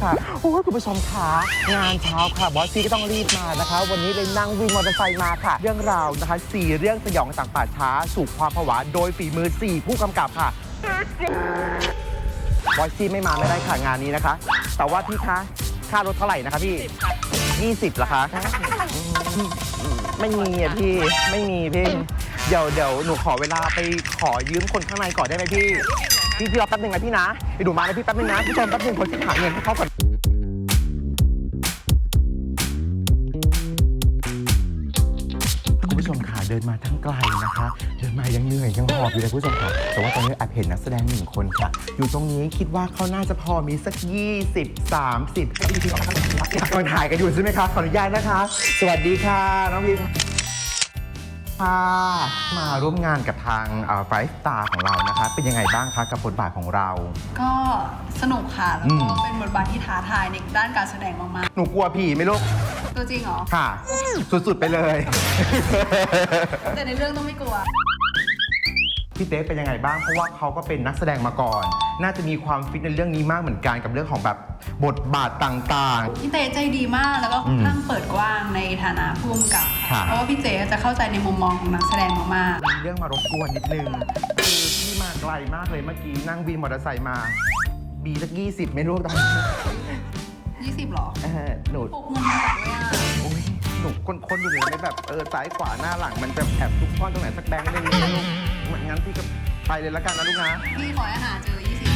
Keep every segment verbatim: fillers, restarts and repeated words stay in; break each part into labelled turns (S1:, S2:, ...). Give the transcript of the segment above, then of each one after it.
S1: ค่ะโอ้ยคุณผู้ชมขางานเช้าค่ะบอสซีก็ต้องรีบมานะคะวันนี้เลยนั่งวินมอเตอร์ไซค์มาค่ะเรื่องราวนะคะสี่เรื่องสยองต่างป่าช้าสู่ความผวาโดยฝีมือสี่ผู้กำกับค่ะบอสซีไม่มาไม่ได้ค่ะงานนี้นะคะแต่ว่าพี่คะค่ารถเท่าไหร่นะคะพี่ยี่สิบเหรอคะไม่มีอ่ะพี่ไม่มีพี่เดี๋ยวเดี๋ยวหนูขอเวลาไปขอยืมคนข้างในก่อนได้ไหมพี่พี่พี่รอแป๊บนึงนะพี่นะไปดูมาเลยพี่แป๊บนึงนะพี่ชมแป๊บนึงคนที่หาเงินให้เขาก่อนคุณผู้ชมค่ะเดินมาทั้งไกลนะคะเดินมายังเหนื่อยยังหอบอยู่เลยคุณผู้ชมค่ะแต่ว่าตอนนี้แอบเห็นนักแสดงหนึ่งคนค่ะอยู่ตรงนี้คิดว่าเขาน่าจะพอมีสักยี่สิบ สามสิบอยากมาถ่ายกันอยู่ใช่ไหมคะขออนุญาตนะคะสวัสดีค่ะน้องพิมค่ะมาร่วมงานกับทางไฟว์สตาร์ของเรานะคะเป็นยังไงบ้างคะกับบทบาทของเรา
S2: ก็สนุกค่ะแล้วก็เป็นบทบาทที่ท้าทายในด้านการแสดงมาก
S1: ๆหนูกลัวผีไหมลูก
S2: ตัวจริงเหรอ
S1: ค่ะสุดๆไปเลย
S2: แต่ในเรื่องต้องไม่กลัว
S1: พี่เต้เป็นยังไงบ้างเพราะว่าเขาก็เป็นนักแสดงมาก่อนน่าจะมีความฟิตในเรื่องนี้มากเหมือนกันกับเรื่องของแบบบทบาทต่าง
S2: ๆพี่เต้ใจดีมากแล้วก็ค่อนข้างเปิดกว้างในฐานะผู้กำกับเพราะว่าพี่เต้จะเข้าใจในมุมมองของนักแสดงมาก
S1: ๆมีเรื่องมารบกวนนิดนึงคือพี่มาไกลมากเลยเมื่อกี้นั่งวินมอเตอร์ไซค์มาบีสักยี่สิบไม่รู้ตอนนี้
S2: ยี่สิบหรอ
S1: เออหนู
S2: พกเงินมาด้วยอ่ะ
S1: โอ้ยหนูคนๆอยู่เลยแบบเออซ้ายขวาหน้าหลังมันจะแอบทุกข้อนตรงไหนสักแบงค์ได้ไหมลูกงั้นพี่ก็ไปเลยละกันนะลูกนะ
S2: พี่ขอให้หาเจอยี่สิบ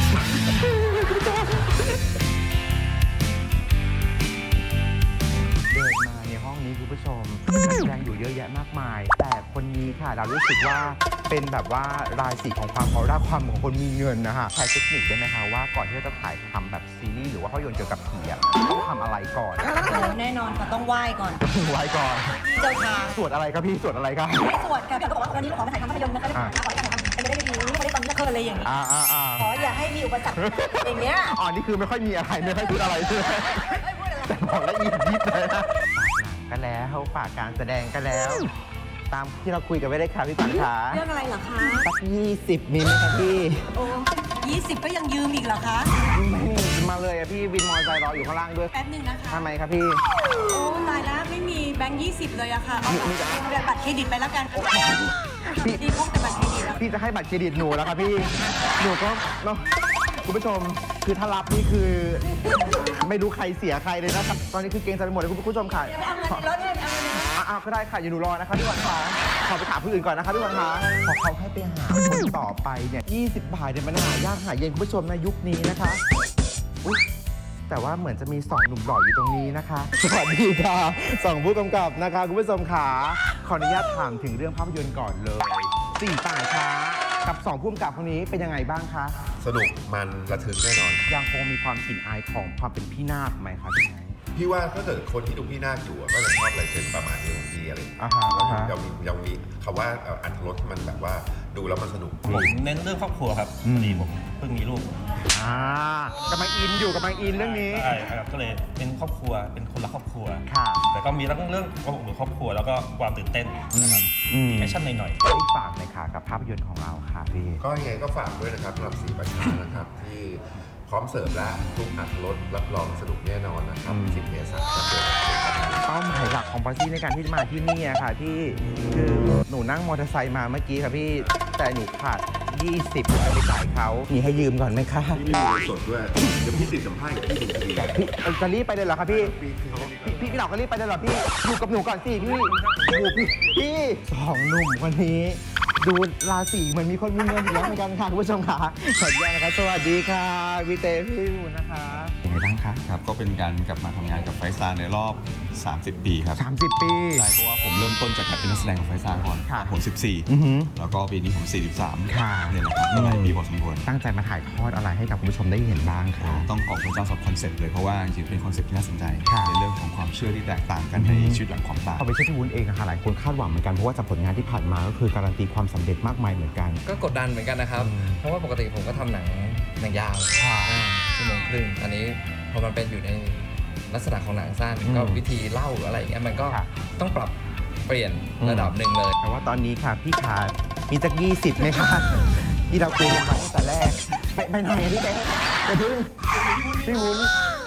S1: เดินมาในห้องนี้คุณผู้ชมนักแสดงอยู่เยอะแยะมากมายแต่คนนี้ค่ะเรารู้สึกว่าเป็นแบบว่ารายสีของความออร่าความของคนมีเงินนะฮะใช้เทคนิคได้ไหมคะว่าก่อนที่จะถ่ายทำแบบซีรีส์หรือว่าภาพยนตร์เกี่ยวกับผีต้องทำอะไรก่อน
S3: แน่นอนค่ะต้องไหว้ก่อน
S1: ไหว้ก่อน
S3: เจ้าทาง
S1: สวดอะไรครับพี่สวดอะไรครับ
S3: ไม่สวดค่ะแต่ก็บอกว่าวันนี้ขอมาถ่ายทำภาพยนตร์นะคะขอถ่ายทำเป็นได้ดีไม่ได้ตอนนี้เคยอะไรอย่างนี้ขออย่าให้มีอุปสรรคอย่างเงี้ย
S1: อ๋อนี่คือไม่ค่อยมีอะไรไม่ค่อยพูดอะไรใช่ไหมแต่บอกแล้วยิบยิบเลยนะฝากหนังกันแล้วฝากการแสดงกันแล้วตามที่เราคุยกันไว้ได้ค่ะพี่ปันขา
S3: เรื่องอะไรเหรอคะ
S1: สักยี่สิบมีไหมคะพี่
S3: โอ้ยี่สิบก็ยังยืมอีกเหรอคะ
S1: ไม่มาเลยอะพี่วินมอเตอร์ไซค์รออยู่ข้างล่างด้วย
S3: แป๊บนึงนะคะ
S1: ทำไมครับพี่
S3: โอ้ตายแล้วไม่มีแบงค์ยี่สิบเลยอะค่ะเอาบัตรเครดิตไปแล้วกันพี่ดีพกแต่บัตรเครดิต
S1: พี่จะให้บัตรเครดิตหนูแล้วครับพี่หนูก็เนาะคุณผู้ชมคือถ้ารับนี่คือไม่รู้ใครเสียใครเลยนะครับตอนนี้คือเกรงใจไปหมดเลยคุณผู้ชมค่ะ
S3: เอาเงินรถเลยเอาเงิน
S1: อ้าวก็ได้ค่ะอยู่หนูรอนะคะพี่วันคะขอไปถามผู้อื่นก่อนนะคะพี่วันคะขอเขาให้ไปหาคนต่อไปเนี่ยยี่สิบบาทเนี่ยมันหายากหาเย็นคุณผู้ชมในยุคนี้นะคะอุ๊ยแต่ว่าเหมือนจะมีสองหนุ่มหล่ออยู่ตรงนี้นะคะสวัสดีค่ะสองผู้กำกับนะคะคุณผู้ชมขาขออนุญาตถามถึงเรื่องภาพยนตร์ก่อนเลยสี่ป่าช้ากับสองผู้กำกับคนนี้เป็นยังไงบ้างคะ
S4: สนุกมันระทึกแน่นอน
S1: ยังคงมีความกลิ่นอายของความเป็นพี่นาคไหมคะพี่ไง
S4: พี่ว่าถ้าเกิดคนที่ดูพี่นาคอยู่ก็จะชอบลายเซ็นประมาณนี้ของพี่อะไร
S1: อ่าฮะ
S4: ยังมียังมีคำว่าอัตรสมันแบบว่าดูแล้วมันสนุก
S5: ผมเน้นเรื่องครอบครัวครับดีผมเพิ่งมีลูก
S1: อ่ากำลังอินอยู่กำลังอินเรื่องนี้
S5: ใช่ครับก็เลยเป็นครอบครัวเป็นคนละครอบครัว
S1: ค่ะ
S5: แต่ก็มีทั้งเรื่องความอบอุ่นครอบครัวแล้วก็ความตื่นเต้นนะครับมีแอคชั่นหน่อย
S1: ๆอีกฝากหน่อยค่ะกับภาพยนตร์ของเราค่ะพี่
S4: ก็ยังไงก็ฝากด้วยนะครับสำหรับสี่ประชานะครับที่พร้อมเสิร์ฟและทุกอัตรสรับรองสนุกแน่นอนนะครับสิบเมษายน
S1: เป้าหมายหลักของปาร์ตี้ในการที่มาที่นี่อะค่ะพี่คือหนูนั่งมอเตอร์ไซค์มาเมื่อกี้ค่ะพี่แต่หนูขาดยี่สิบไปจ่ายเขามีให้ยืมก่อนไหมคะ
S4: พี่มีสดด้วยเดี๋ยวพี่ติดสัมภาษณ์กับพี่ดูดี
S1: พี่จะรีบไปเลยเหรอคะพี่พี่พี่เหล่าก็รีบไปเลยเหรอพี่อยู่กับหนูก่อนสิพี่โอ้พี่พี่สองหนุ่มวันนี้ดูราศีเหมือนมีคนมีเงินอยู่แล้วเหมือนกันค่ะคุณผู้ชมค่ะสวัสดีนะคะสวัสดีค่ะพี่เต้พี่วูนะคะยังไงบ้างคะ
S6: ครับก็เป็นการกลับมาทำงานกับไฟซ่าในรอบสามสิบปีครับ
S1: สามสิบปี
S6: ใช่เพราะว่าผมเริ่มต้นจากการเป็นนักแสดงของไฟซ่าก่อนผมสิบสี่แล้วก็ปีนี้ผมสี่สิบสามเนี่ยแหละครับก็หลายปีพอสมควร
S1: ตั้งใจมาถ่ายทอดอะไรให้กับคุณผู้ชมได้เห็นบ้างคะ
S6: ต้องขอบคุณเจ้าสอบคอนเซ็ปต์เลยเพราะว่าจริงๆเป็นคอนเซ็ปต์ที่น่าสนใจในเรื่องของความเชื่อที่แตกต่างกันในชีวิตหลังความตาย
S1: พอไปเชื่อพี่วุ้นเองค่ะหลายคนคาดหวังเหมือนกันเพราะว่าจากผลงานที่ผ่านมาก็คือการันตีความสำเร็จมากมายเหมือนกัน
S7: ก็กดดันเหมือนกันนะครับเพราะว่าปกติผมก็ทำหนังหนังยาวชั่วโมงครึ่งอันนี้พอมันเป็นอยู่ในลักษณะของหนังสั้นก็วิธีเล่าอะไรอย่างเงี้ยมันก็ต้องปรับเปลี่ยนระดับหนึ่งเลย
S1: แต่ว่าตอนนี้ค่ะพี่ขามีสักยี่สิบไหมคะที่เราคุยกันมาตั้งแต่แรกไปไหนพี่เต้ไปพึ่งพี่วุ้น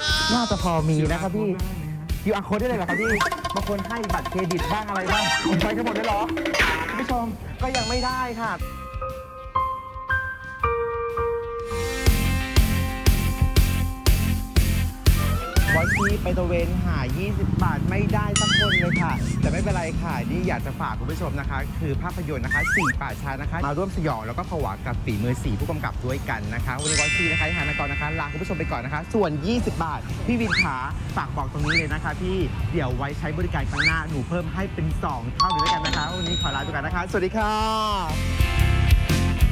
S1: น่าจะพอมีนะครับพี่ คิว อาร์ code ได้เลยเหรอครับพี่บางคนให้บัตรเครดิตบ้างอะไรบ้างผมใช้กันหมดเลยเหรอคุณผู้ชมก็ยังไม่ได้ค่ะวอชีไปตะเวนหา ยี่สิบบาทไม่ได้สักคนเลยค่ะ แต่ไม่เป็นไรค่ะ นี่อยากจะฝากคุณผู้ชมนะคะ คือภาพยนตร์นะคะสี่ป่าช้านะคะ มาร่วมสยองแล้วก็ผวากับฝีมือสี่ผู้กำกับด้วยกันนะคะ วันนี้วอชีนะคะที่หานกรนะคะลาคุณผู้ชมไปก่อนนะคะ ส่วน ยี่สิบบาท พี่วินขาฝากบอกตรงนี้เลยนะคะพี่เดี๋ยวไว้ใช้บริการครั้งหน้าหนูเพิ่มให้เป็นสองเท่าเลยแล้วกันนะคะวันนี้ขอลาไปก่อนนะคะ สวัสดีค่ะ